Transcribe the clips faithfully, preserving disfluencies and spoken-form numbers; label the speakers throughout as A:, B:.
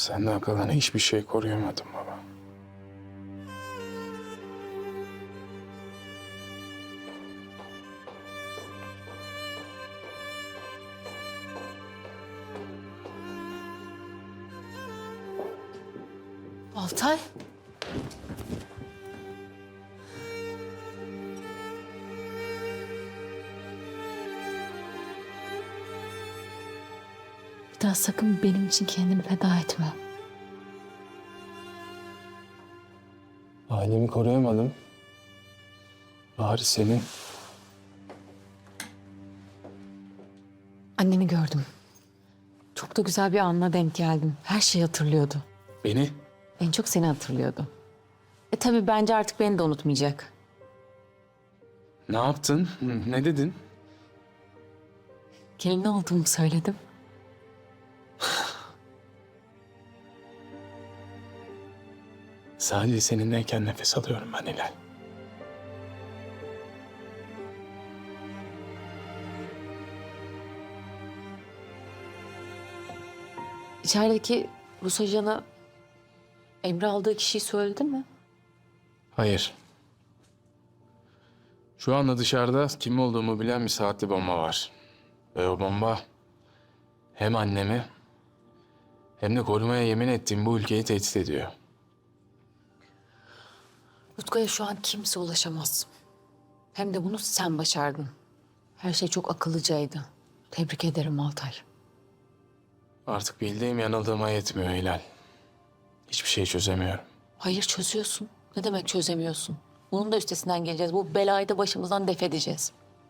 A: Senden kalan hiçbir şey koruyamadım baba.
B: Altay. Bir daha sakın benim için kendini feda etme.
A: Ailemi koruyamadım. Bari senin.
B: Anneni gördüm. Çok da güzel bir anına denk geldim. Her şeyi hatırlıyordu.
A: Beni?
B: En çok seni hatırlıyordu. E tabii bence artık beni de unutmayacak.
A: Ne yaptın? Ne dedin?
B: Gelin olduğumu söyledim.
A: Sadece seninleyken nefes alıyorum ben Hilal.
B: İçerideki Rus ajanı Emre aldığı kişiyi söyledin mi?
A: Hayır. Şu anda dışarıda kim olduğumu bilen bir saatli bomba var. Ve o bomba hem annemi hem de korumaya yemin ettiğim bu ülkeyi tehdit ediyor.
B: Utku'ya şu an kimse ulaşamaz. Hem de bunu sen başardın. Her şey çok akıllıcaydı. Tebrik ederim Altay.
A: Artık bildiğim yanıldığıma yetmiyor Hilal. Hiçbir şey çözemiyorum.
B: Hayır çözüyorsun. Ne demek çözemiyorsun? Bunun da üstesinden geleceğiz. Bu belayı da başımızdan def edeceğiz.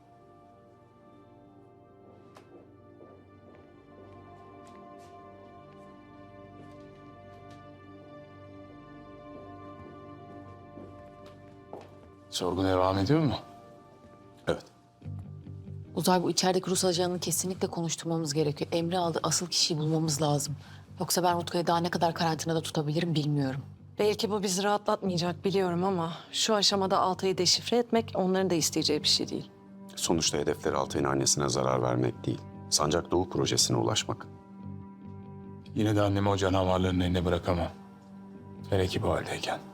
A: Sorgu devam ediyor mu?
C: Evet.
B: Uzay, bu içerideki Rus ajanını kesinlikle konuşturmamız gerekiyor. Emre aldı asıl kişiyi bulmamız lazım. Yoksa ben Utku'yu daha ne kadar karantinada tutabilirim bilmiyorum.
D: Belki bu bizi rahatlatmayacak biliyorum ama şu aşamada Altay'ı deşifre etmek onların da isteyeceği bir şey değil.
C: Sonuçta hedefleri Altay'ın annesine zarar vermek değil, Sancak Doğu projesine ulaşmak.
A: Yine de annemi o canavarların eline bırakamam. Hele ki bu haldeyken.